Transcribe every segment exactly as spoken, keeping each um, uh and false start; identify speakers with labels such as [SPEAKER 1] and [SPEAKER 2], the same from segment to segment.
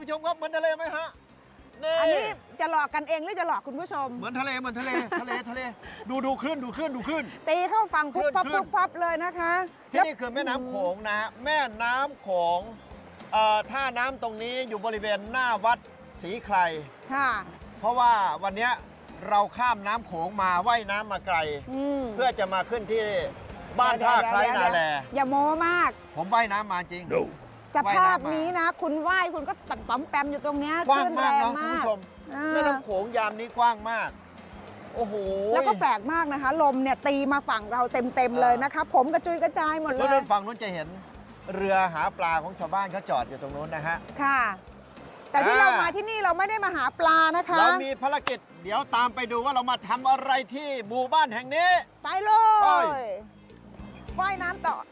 [SPEAKER 1] ชมครับเหมือนทะเลไหมฮะนี่
[SPEAKER 2] อันนี้จะหลอกกันเองหรือจะหลอกคุณผู้ชม
[SPEAKER 1] เหมือนทะเลเหมือนทะเลทะเลทะเลดูดูคลื่นดูคลื่นดูคลื่น
[SPEAKER 2] ตีเข้าฝั่งปุ๊บปั๊บ
[SPEAKER 1] คลื่
[SPEAKER 2] ปุ๊
[SPEAKER 1] น
[SPEAKER 2] บปั๊บเลยนะคะ
[SPEAKER 1] ที่นี่คือแม่น้ำโขงนะแม่น้ำโขงเอ่อท่าน้ำตรงนี้อยู่บริเวณหน้าวัดศรีไคร
[SPEAKER 2] ค่ะ
[SPEAKER 1] เพราะว่าวันนี้เราข้ามน้ำโขงมาว่ายน้ำมาไกล
[SPEAKER 2] อืม
[SPEAKER 1] เพื่อจะมาขึ้นที่บ้านท่าไคร้นาแล
[SPEAKER 2] อย่าโม้มาก
[SPEAKER 1] ผมว่ายน้ำมาจริง
[SPEAKER 2] สภาพนี้นะ คุณว่ายคุณก็ตัดปั๊มแปมอยู่ตรงเนี้ย
[SPEAKER 1] กว้าง
[SPEAKER 2] คลื่น
[SPEAKER 1] มาก
[SPEAKER 2] แรง
[SPEAKER 1] เนาะคุณ
[SPEAKER 2] มาก
[SPEAKER 1] ผู้ชม
[SPEAKER 2] อ่า
[SPEAKER 1] แม่น้ำโขงยามนี้กว้างมาก โอ้โห
[SPEAKER 2] แล้วก็แปลกมากนะคะ ลมเนี่ยตีมาฝั่งเราเต็มๆเลยนะคะ ผมกระจุยกระจายหมดเล
[SPEAKER 1] แล้ว
[SPEAKER 2] ย
[SPEAKER 1] ด้านฝั่งนู้นจะเห็นเรือหาปลาของชาวบ้านเขาจอดอยู่ตรงนู้นนะฮะ
[SPEAKER 2] ค่ะ แต่ที่
[SPEAKER 1] อ่า
[SPEAKER 2] เรามาที่นี่เราไม่ได้มาหาปลานะคะ
[SPEAKER 1] เรามีภารกิจเดี๋ยวตามไปดูว่าเรามาทำอะไรที่หมู่บ้านแห่งนี้
[SPEAKER 2] ไปเล
[SPEAKER 1] ไป
[SPEAKER 2] ยว่ายน้ำต่อ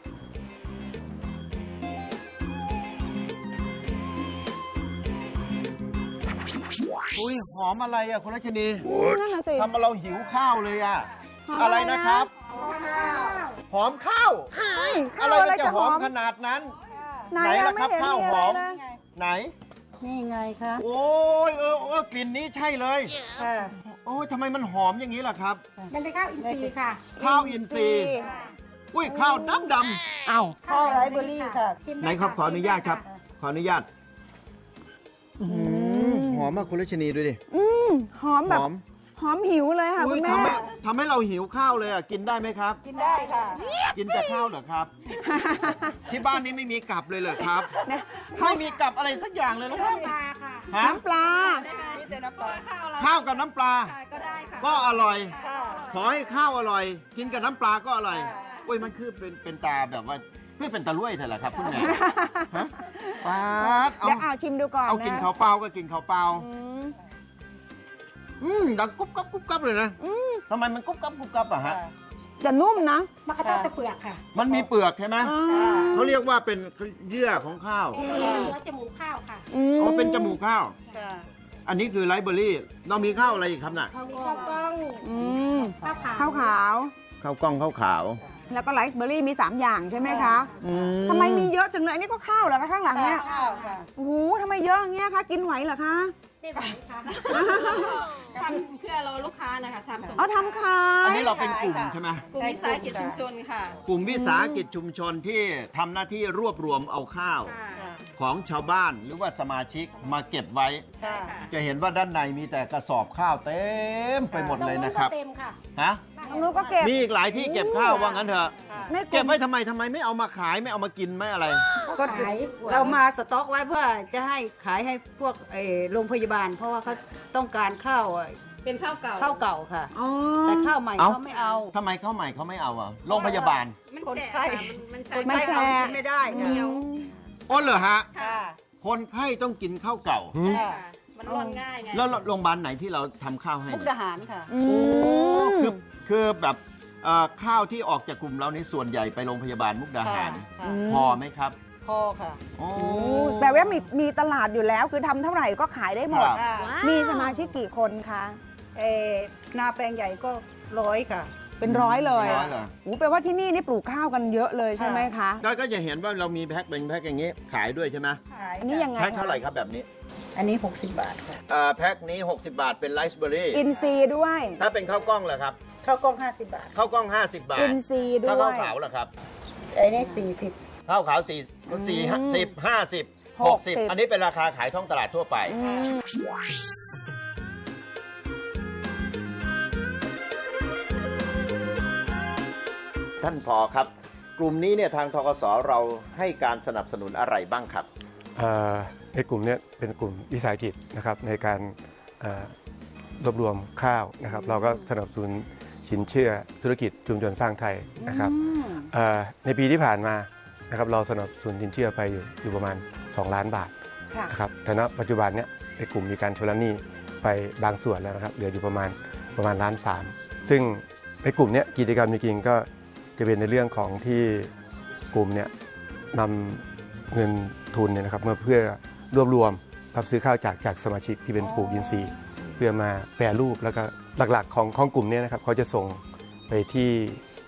[SPEAKER 1] อุ้ยหอมอะไรอ่ะคุณรัชนี
[SPEAKER 2] นั่นน่ะสิ
[SPEAKER 1] ทำมาเราหิวข้าวเลยอ่ะ
[SPEAKER 2] หอม
[SPEAKER 1] อะไร
[SPEAKER 2] อะไรนะ
[SPEAKER 1] นะครับ หอมข้าว
[SPEAKER 2] เฮ้ย
[SPEAKER 1] อะ
[SPEAKER 2] ข้าว
[SPEAKER 1] ไร
[SPEAKER 2] อะไร
[SPEAKER 1] มันจะ
[SPEAKER 2] จะ
[SPEAKER 1] ห
[SPEAKER 2] ห
[SPEAKER 1] อ
[SPEAKER 2] อ
[SPEAKER 1] ม
[SPEAKER 2] ม
[SPEAKER 1] ขนาดนั้น
[SPEAKER 2] ไหน
[SPEAKER 1] ไหน
[SPEAKER 2] อะ
[SPEAKER 1] ล่ะ
[SPEAKER 2] ไม่
[SPEAKER 1] ครับ
[SPEAKER 2] เห็น
[SPEAKER 1] ข้าว
[SPEAKER 2] มี
[SPEAKER 1] ห
[SPEAKER 2] อะไร
[SPEAKER 1] อม
[SPEAKER 2] เลย
[SPEAKER 1] ไหน
[SPEAKER 3] นี่ไงคะ
[SPEAKER 1] โอ้ยเออเออกลิ่นนี้ใช่เลย
[SPEAKER 3] ค่ะ
[SPEAKER 1] โอ้ยทำไมมันหอมอย่างนี้ล่ะครับ
[SPEAKER 4] มันเป็นข้าวอินทรีย์ค่ะ
[SPEAKER 1] ข้าวอินทรีย์อุ้ยข้าวดำด
[SPEAKER 2] เอ้า
[SPEAKER 3] ข้าวไรเบอร์รี่ค่ะ
[SPEAKER 4] ชิม
[SPEAKER 1] ำ
[SPEAKER 4] ด้
[SPEAKER 1] ไหนครับ
[SPEAKER 4] ะ
[SPEAKER 1] ขออนุญาตครับ ขออนุญาตอื้อหือหอมมากคุณรัชนีดูดิ
[SPEAKER 2] อืมหอม
[SPEAKER 1] ห
[SPEAKER 2] แบบ
[SPEAKER 1] อม
[SPEAKER 2] หอมหิวเลยค่ะ
[SPEAKER 1] อุ้
[SPEAKER 2] คุ
[SPEAKER 1] ย
[SPEAKER 2] ณแม่
[SPEAKER 1] ทำให้ทำให้เราหิวข้าวเลยอ่ะกินได้ไหมครับ
[SPEAKER 3] กินได้ค่ะ
[SPEAKER 1] กินแต่ข้าวเหรอครับ ที่บ้านนี้ไม่มีกลับเลยเหรอครับ
[SPEAKER 2] เนี่ย
[SPEAKER 1] ไม่มีกลับอะไรสักอย่างเลยเหรอครับ
[SPEAKER 4] ปลาค่ะ
[SPEAKER 1] ฮะ
[SPEAKER 2] น้ำปลา
[SPEAKER 3] นี่แต่น้ำปลา
[SPEAKER 1] ข้าวกับน้ำปลา
[SPEAKER 4] ก็ได้ค่ะ
[SPEAKER 1] ก็อร่อย
[SPEAKER 3] ค่ะ
[SPEAKER 1] ขอให้ข้าวอร่อย กินกับน้ำปลาก็อร่อย
[SPEAKER 3] ค่ะ
[SPEAKER 1] โอ้ยมันคือเป็นเป็นตาแบบว่าเพื่อเป็นตาลุ่ยเถอะเหรอครับคุณแม่ฮะปาดเอา
[SPEAKER 2] เดี๋ยวเอาชิมดูก่อน
[SPEAKER 1] เอา
[SPEAKER 2] นะ
[SPEAKER 1] กินข้าวเปล่าก็กินข้าวเปล่า
[SPEAKER 2] อืม
[SPEAKER 1] อืมดังกุ๊บกับกุ๊บกับเลยนะ
[SPEAKER 2] อืม
[SPEAKER 1] ทำไมมันกุ๊บกับกุ๊บกับอะฮะ
[SPEAKER 2] จะนุ่มนะ
[SPEAKER 4] มะกะทะตะเปลือกค่ะ
[SPEAKER 1] มันมีเปลือกใช่ไหม
[SPEAKER 2] อ่า
[SPEAKER 1] เขาเรียกว่าเป็นเยื่อของข้าว
[SPEAKER 4] เนื้อจมูกข้าวค่ะ
[SPEAKER 2] อืม
[SPEAKER 1] อ๋อเป็นจมูกข้าว
[SPEAKER 3] ค่ะ
[SPEAKER 1] อันนี้คือไรซ์เบอร์รี่ เรามีข้าวอะไรอีกครับน่ะ
[SPEAKER 4] มีข้าวกล้อง
[SPEAKER 2] อืม
[SPEAKER 4] ข้าวขาว
[SPEAKER 2] ข้าวขาว
[SPEAKER 1] ข้าวกล้องข้าวขาว
[SPEAKER 2] แล้วก็ไรซ์เบอร์รี่มี 3 อย่างใช่ไหมคะ
[SPEAKER 1] อื
[SPEAKER 2] ทำไมมีเยอะจังเลย อันนี้ก็ข้าวเหรอคะข้างหลังเนี่ย
[SPEAKER 3] ข้าวค่ะ
[SPEAKER 2] โอ้โหทำไมเยอะอย่างเงี้ยคะ กินไหวเหรอคะ
[SPEAKER 4] ไม่ไหวค่ะ
[SPEAKER 5] ทำเพื่อเราลูกค้านะคะทำส่ง
[SPEAKER 2] เอาทำขาย
[SPEAKER 1] อันนี้เราเป็นกลุ่มใช่ไหม
[SPEAKER 5] กลุ่มวิสาหกิจชุมชนค่ะ
[SPEAKER 1] กลุ่มวิสาหกิจชุมชนที่ทำหน้าที่รวบรวมเอาข้าว
[SPEAKER 5] ค่ะ
[SPEAKER 1] ของชาวบ้านหรือว่าสมาชิกมาเก็บไว้
[SPEAKER 3] ใช่
[SPEAKER 1] จะเห็นว่าด้านในมีแต่กระสอบข้าวเต็มไปหมดเลยนะครับ
[SPEAKER 4] เต็มค่ะ
[SPEAKER 1] ฮะ
[SPEAKER 2] ตรงนู้นก็เก็บ
[SPEAKER 1] มีอีกหลายที่เก็บข้าวว่างั้นเถอะ
[SPEAKER 2] ในก
[SPEAKER 1] เก็
[SPEAKER 2] ลุ่
[SPEAKER 1] บ
[SPEAKER 2] ม
[SPEAKER 1] ไว้ทำไมทำไมไม่เอามาขายไม่เอามากินไม่อะไร
[SPEAKER 3] ก็
[SPEAKER 4] ขาย
[SPEAKER 3] เรามาสต็อกไว้เพื่อจะให้ขายให้พวกเอ่อโรงพยาบาล เพราะว่าเขาต้องการข้าวเอ่อ
[SPEAKER 5] เป็นข้าวเก่า
[SPEAKER 3] ข้าวเก่าค่ะ
[SPEAKER 2] อ๋อ
[SPEAKER 3] แต่ข้าวใหม่
[SPEAKER 1] เอ้า
[SPEAKER 3] เขาไม่เอา
[SPEAKER 1] ทำไมข้าวใหม่เขาไม่เอาอ่ะโรงพยาบาล
[SPEAKER 5] มัน
[SPEAKER 3] คน
[SPEAKER 5] แฉะ
[SPEAKER 3] ไข้
[SPEAKER 5] ค่ะมันมันใช้
[SPEAKER 3] คน
[SPEAKER 2] ไม่
[SPEAKER 3] ไข้
[SPEAKER 2] แช
[SPEAKER 3] เอา
[SPEAKER 2] ร์
[SPEAKER 3] กินไม่ได้ค่ะ
[SPEAKER 1] อ๋อเหรอฮะ
[SPEAKER 3] ค่ะ
[SPEAKER 1] คนไข้ต้องกินข้าวเก่า
[SPEAKER 5] ใช่ค่ะมันร่อนง่ายไง
[SPEAKER 1] แล้วโรงพยาบาลไหนที่เราทำข้าวให้
[SPEAKER 3] มุก
[SPEAKER 1] เนี่ย
[SPEAKER 3] ดาหารค่ะ
[SPEAKER 2] อืม
[SPEAKER 1] คือคือแบบเอ่อข้าวที่ออกจากกลุ่มเราในส่วนใหญ่ไปโรงพยาบาลมุกดาหาร
[SPEAKER 3] ค่ะ
[SPEAKER 1] พอไหมครับ
[SPEAKER 3] พอค่ะ
[SPEAKER 1] โอ้
[SPEAKER 2] แปลว่ามีมีตลาดอยู่แล้ว คือทำเท่าไหร่ก็ขายได้หมด
[SPEAKER 1] ครับ
[SPEAKER 3] ค่ะ
[SPEAKER 2] มีสมาชิกกี่คนคะ
[SPEAKER 3] เอ่อนาแปลงใหญ่ก็ร้อยค่ะ
[SPEAKER 2] เป็นร้อยเลย
[SPEAKER 1] ร้อยเหรอ
[SPEAKER 2] โอ้แปลว่าที่นี่นี่ปลูกข้าวกันเยอะเลยใช่ไหมคะ
[SPEAKER 1] ก็ก็จะเห็นว่าเรามีแพ็คเป็นแพ็คอย่างนี้ขายด้วยใช่ไหม
[SPEAKER 2] อันนี้ยังไง
[SPEAKER 1] แพ็คเท่าไหร่ครับแบบนี้
[SPEAKER 3] อันนี้ หกสิบบาทค่ะ
[SPEAKER 1] เอ่อแพ็คนี้ 60 บาทเป็นไรซ์เบอร์รี่
[SPEAKER 2] อินซีย์ด้วย
[SPEAKER 1] ถ้าเป็นข้าวกล้องเหรอครับ
[SPEAKER 3] ข้าวกล้องห้าสิบบาท
[SPEAKER 1] ข้าวกล้อง 50 บาท
[SPEAKER 2] อินซีย์ด้
[SPEAKER 1] ถ้า
[SPEAKER 2] วย
[SPEAKER 1] ข้าวขาวเหรอครับ
[SPEAKER 3] อันนี้สี่สิบ
[SPEAKER 1] ข้าวขาวสี่สี่สิบห้าสิบหกสิบ
[SPEAKER 2] หกสิบ
[SPEAKER 1] อันนี้เป็นราคาขายท้องตลาดทั่วไป
[SPEAKER 2] อืม
[SPEAKER 1] ท่านพอครับ กลุ่มนี้เนี่ยทางทกสเราให้การสนับสนุนอะไรบ้างครับ
[SPEAKER 6] เอ่อในกลุ่มเนี้เป็นกลุ่มวิสาหกิจนะครับในการเอ่อรวบรวมข้าวนะครับ เราก็สนับสนุนสินเชื่อธุรกิจชุมชนสร้างไทยนะครับเอ่อในปีที่ผ่านมานะครับเราสนับสนุนสินเชื่อไปอยู่อยู่ประมาณสองล้านบาท
[SPEAKER 2] ค่ะ
[SPEAKER 6] นะครับแต่ณปัจจุบันเนี้ยในกลุ่มมีการชำระหนี้ไปบางส่วนแล้วนะครับเหลืออยู่ประมาณประมาณล้านสามซึ่งในกลุ่มเนี้ยกิจกรรมจริงๆก็จะเป็นในเรื่องของที่กลุ่มเนี้ยนำเงินทุนเนี่ยนะครับมาเพื่อรวบรวมรับซื้อข้าวจากจากสมาชิกที่เป็นปลูกอินทรีย์เพื่อมาแปรรูปแล้วก็หลักๆของของกลุ่มเนี้นะครับเขาจะส่งไปที่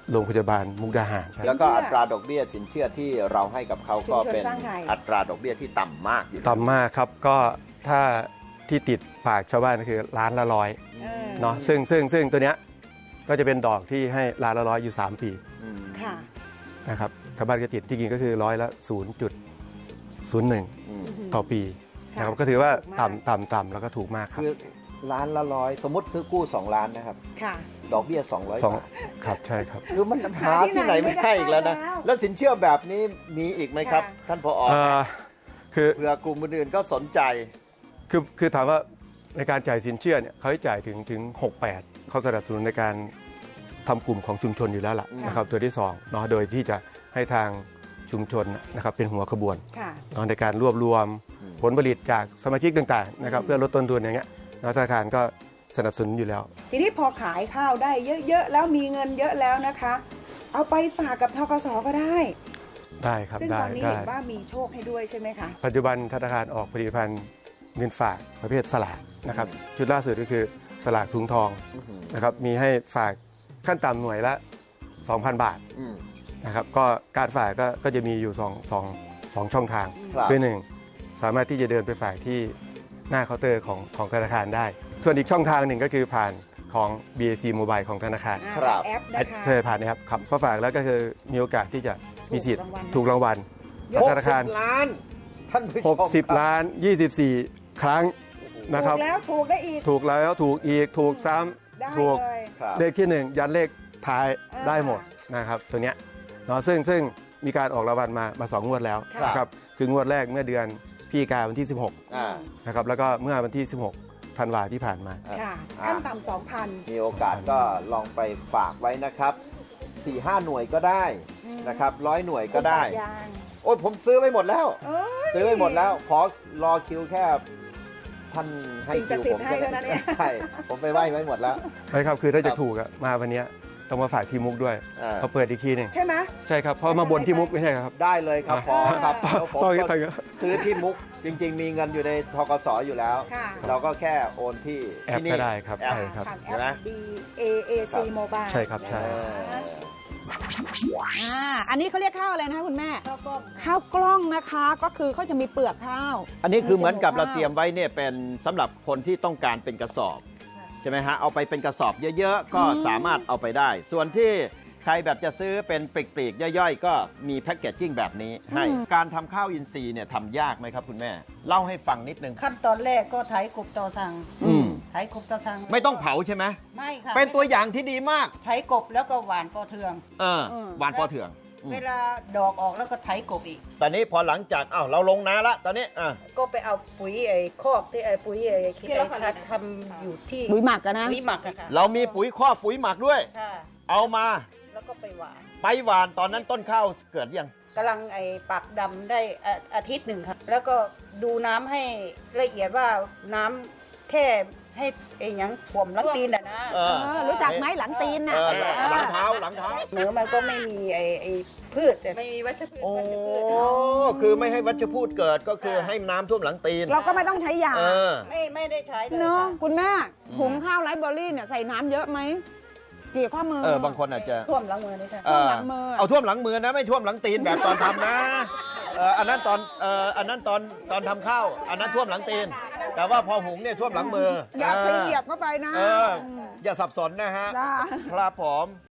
[SPEAKER 6] โรงพยาบาลมุกดาหารครับ
[SPEAKER 1] แล้วก็อัตราดอกเบี้ยสินเชื่อที่เราให้กับเขาก็เป็น
[SPEAKER 2] ชุมชนสร้างไทย
[SPEAKER 1] อัตราดอกเบี้ยที่ต่ำมากอยู่
[SPEAKER 6] ต่ำมากครับก็ถ้าที่ติดปากชาวบ้านก็คือล้านละร้อย
[SPEAKER 2] เออ
[SPEAKER 6] เนาะซึ่งซึ่งซึ่งตัวเนี้ยก็จะเป็นดอกที่ให้ล้านละร้อยอยู่ สาม ปี
[SPEAKER 1] อืม
[SPEAKER 2] ค่ะ
[SPEAKER 6] นะครับชาวบ้านก็ติดที่จริงก็คือร้อยละ ศูนย์จุดศูนย์หนึ่ง
[SPEAKER 1] อืม
[SPEAKER 6] ต่อปี
[SPEAKER 2] ค่ะ
[SPEAKER 6] นะครับก็ถือว่า
[SPEAKER 2] ถูกมาก
[SPEAKER 6] ต่ำต่ำต่ำแล้วก็ถูกมากครับ
[SPEAKER 1] คือล้านละร้อยสมมติซื้อกู้สองล้านนะครับ
[SPEAKER 2] ค่ะ
[SPEAKER 1] ดอกเบี้ยสองร้อย
[SPEAKER 6] สอง
[SPEAKER 1] บาท
[SPEAKER 6] ครับใช่ครับ
[SPEAKER 1] คือมันหาที่ไหนไม่ได้อีกแล้วนะ
[SPEAKER 2] หาที่ไหนไม่ได้แล้ว
[SPEAKER 1] แล้วสินเชื่อแบบนี้มีอีกไหมครับ
[SPEAKER 2] ค่ะ
[SPEAKER 1] ท่านผอ
[SPEAKER 6] เอ่อคือ
[SPEAKER 1] เผื่อกลุ่มอื่นๆก็สนใจ
[SPEAKER 6] คือคือถามว่าในการจ่ายสินเชื่อเนี่ยเขาให้จ่ายถึงถึงหกแปดเขาสนับสนุนในการทำกลุ่มของชุมชนอยู่แล้วล่ะนะครับตัวที่สองเนาะโดยที่จะให้ทางชุมชนนะครับเป็นหัวขบวน
[SPEAKER 2] ค่ะ
[SPEAKER 6] เนาะในการรวบรวมผลผลิตจากสมาชิกต่างๆนะครับเพื่อลดต้นทุนอย่างเงี้ยเนาะธนาคารก็สนับสนุนอยู่แล้ว
[SPEAKER 2] ทีนี้พอขายข้าวได้เยอะๆแล้วมีเงินเยอะแล้วนะคะ เอาไปฝากกับธกสก็ได้
[SPEAKER 6] ได้ครับ
[SPEAKER 2] ซึ่ง
[SPEAKER 6] ได้
[SPEAKER 2] ตอนนี้
[SPEAKER 6] ได้
[SPEAKER 2] เห็นว่ามีโชคให้ด้วยใช่ไหมคะ
[SPEAKER 6] ปัจจุบันธนาคารออกผลิตภัณฑ์เงินฝากประเภทสลากนะครับชุดล่าสุดก็คือสลากถุงทองนะครับมีให้ฝากขั้นต่ำหน่วยละ สองพัน บาท
[SPEAKER 1] อืม
[SPEAKER 6] นะครับก็การฝากก็ก็จะมีอยู่สองสองสองช่องทาง
[SPEAKER 1] ครับ
[SPEAKER 6] คือหนึ่งสามารถที่จะเดินไปฝากที่หน้าเคาน์เตอร์ของของธนาคารได้ ส่วนอีกช่องทางหนึ่งก็คือผ่านของ บี เอ ซี Mobile ของธนาคาร
[SPEAKER 2] อ่า
[SPEAKER 1] ครับ
[SPEAKER 2] แอปนะคะ
[SPEAKER 6] ใช่ผ่านนะครับครับพอฝากแล้วก็คือมีโอกาสที่จะมีสิทธิ์ถูกรางวัล
[SPEAKER 1] หก
[SPEAKER 6] ธนา
[SPEAKER 1] สิ
[SPEAKER 6] คาร
[SPEAKER 1] บล้าน ท่านผู้ชมครับ
[SPEAKER 6] 60 ล้าน ยี่สิบสี่ ครั้งนะค
[SPEAKER 2] ถู
[SPEAKER 6] รับ
[SPEAKER 2] กแล้วถูกได้อีก
[SPEAKER 6] ถูกแล้วถูกอีกถูกซ้
[SPEAKER 2] ได้
[SPEAKER 6] ำถูก
[SPEAKER 2] เลย
[SPEAKER 1] ครับ
[SPEAKER 6] เลขที่หนึ่งยันเลขท้าย
[SPEAKER 2] อ่า
[SPEAKER 6] ได้หมดนะครับตัวเนี้ยเนาะซึ่งซึ่งมีการออกรางวัลมามาสองงวดแล้ว
[SPEAKER 2] ครับ
[SPEAKER 6] นะครับคืองวดแรกเมื่อเดือนพฤศจิกายนวันที่ สิบหก
[SPEAKER 1] อ่า
[SPEAKER 6] นะครับแล้วก็เมื่อวันที่ สิบหก ธันวาที่ผ่านมา
[SPEAKER 2] ค่ะ
[SPEAKER 1] อ่า
[SPEAKER 2] ขั้นต่ำสองพัน
[SPEAKER 1] มีโอกาสก็ลองไปฝากไว้นะครับสี่ห้าหน่วยก็ได้นะครับร้อยหน่วยก็ได้
[SPEAKER 2] ยาง
[SPEAKER 1] โอ้ยผมซื้อไว้หมดแล้ว
[SPEAKER 2] เอ้ย
[SPEAKER 1] ซื้อไว้หมดแล้ว ขอรอคิวแค่ท่านให้
[SPEAKER 2] สิ่งศั
[SPEAKER 1] คิ
[SPEAKER 2] ก
[SPEAKER 1] ว
[SPEAKER 2] ดิ์สิทธิ์
[SPEAKER 1] ผม
[SPEAKER 2] ให้เท่านั้นเอง
[SPEAKER 1] ใช่ผมไปไหว้ไว้หมดแล้ว
[SPEAKER 6] ใช่ครับคือถ้า
[SPEAKER 1] ครั
[SPEAKER 6] จะ
[SPEAKER 1] บ
[SPEAKER 6] ถูกอะมาวันเนี้ยต้องมาฝากที่มุกด้วย
[SPEAKER 1] อ่า
[SPEAKER 6] เขาเปิดอีกทีหนึง
[SPEAKER 2] ใช่ไหม
[SPEAKER 6] ใช่ครับเพราะมาบนที่มุกไม่ใช่ครับ
[SPEAKER 1] ได้เลยครับพอครับแล้วผม
[SPEAKER 6] ต้อง
[SPEAKER 1] ก็
[SPEAKER 6] ต้อง
[SPEAKER 1] ซื้อที่มุกจริง ๆ มีเงินอยู่ในทกสอยู่แล้ว
[SPEAKER 2] ค่ะ
[SPEAKER 1] เราก็แค่โอนที่
[SPEAKER 6] แอป
[SPEAKER 1] ที่นี่
[SPEAKER 6] ก็ได้ครับ
[SPEAKER 1] แอป
[SPEAKER 6] ใช่ครับ
[SPEAKER 2] ผ่านแอ
[SPEAKER 1] เห็นไหม
[SPEAKER 2] ป B A A C Mobile
[SPEAKER 6] ใช่ครับใช่
[SPEAKER 1] เออ
[SPEAKER 2] อ่าอันนี้เขาเรียกข้าวอะไรนะคะคุณแม่
[SPEAKER 3] แล้วก็
[SPEAKER 2] ข้าวกล้องนะคะ ก็คือเขาจะมีเปลือกข้าว
[SPEAKER 1] อันนี้คือเหมือนกับเราเตรียมไว้เนี่ยเป็นสำหรับคนที่ต้องการเป็นกระสอบใช่ไหมฮะเอาไปเป็นกระสอบเยอะๆ ก็สามารถเอาไปได้ ส่วนที่ใครแบบจะซื้อเป็นปลีกๆย่อยๆ ก็มีแพ็กเกจจิ้งแบบนี้ให้การทำข้าวอินทรีย์เนี่ยทำยากไหมครับคุณแม่ เล่าให้ฟังนิดนึง
[SPEAKER 3] ขั้นตอนแรกก็ไถกบต่อสั่ง
[SPEAKER 1] อืม
[SPEAKER 3] ไถกบต่อสั่ง
[SPEAKER 1] ไม่ต้องเผาใช่ไหม
[SPEAKER 3] ไม่ค่ะ
[SPEAKER 1] เป็นตัวอย่างที่ดีมาก
[SPEAKER 3] ไถกบแล้วก็หวานปอเทือง
[SPEAKER 1] เออ
[SPEAKER 2] อืม
[SPEAKER 1] หวานพอเถื่องอืม
[SPEAKER 3] เวลาดอกออกแล้วก็ไถกบอีก
[SPEAKER 1] ตอนนี้พอหลังจากอ้าวเราลงนาละตอนนี้อ่ะ
[SPEAKER 3] ก็ไปเอาปุ๋ยไอ้คอกที่ไอ้ปุ๋ยไอ้ที่ไอ้ทัดทำอยู่ที่
[SPEAKER 2] ปุ๋ยหมักกันนะ
[SPEAKER 3] ปุ๋ยหมักอะค่ะ
[SPEAKER 1] เรามีปุ๋ยคอกปุ๋ยหมักด้วย
[SPEAKER 3] ค่ะ
[SPEAKER 1] เอามา
[SPEAKER 3] แล้วก็ไปหวาน
[SPEAKER 1] ไปหวานตอนนั้นต้นข้าวเกิดยัง
[SPEAKER 3] กำลังไอ้ปักดำได้อาอาทิตย์หนึ่งครับ แล้วก็ดูน้ำให้ละเอียดว่าน้ำแค่ให้ไอ้หยังถ่วมลักตีนอะนะ
[SPEAKER 1] เออ
[SPEAKER 2] เออรู้จักไหมหลังตีน
[SPEAKER 1] เอ
[SPEAKER 2] น่ะ
[SPEAKER 1] อหลังเท้าหลังเท้า
[SPEAKER 3] เนื้อมันก็ไม่มีไอ้ไอ้พืชแต่
[SPEAKER 5] ไม่มีวัชพืช
[SPEAKER 1] โอ้
[SPEAKER 5] วัชพืช
[SPEAKER 1] คือไม่ให้วัชพืชเกิดก็คือให้น้ำท่วมหลังตีน
[SPEAKER 2] เราก็ไม่ต้องใช้ยา
[SPEAKER 1] เออ
[SPEAKER 3] ไม่ไม่ได้ใช้เลย
[SPEAKER 2] เนาะ
[SPEAKER 3] ค่ะ
[SPEAKER 2] คุณแม่หุงข้าวไรซ์เบอร์รี่เนี่ยใส่น้ำเยอะไหมกี่ข้อมือ
[SPEAKER 1] เออบางคนอาจจะ
[SPEAKER 3] ท่วมหลังมือนี่ค่ะ
[SPEAKER 1] เออ
[SPEAKER 2] ท่วมหลังมือ
[SPEAKER 1] เอาท่วมหลังมือนะ ไม่ท่วมหลังตีนแบบตอนทำนะเอออันนั้นตอนเอออันนั้นตอนตอนทำข้าวอันนั้นท่วมหลังตีน แต่ว่าพอหุงเนี่ยท่วมหลังมือ
[SPEAKER 2] อย่าไป
[SPEAKER 1] เออ
[SPEAKER 2] เหยียบเข้าไปนะ
[SPEAKER 1] เออ อย่าสับสนนะฮะ
[SPEAKER 2] จ้า
[SPEAKER 1] ครับผม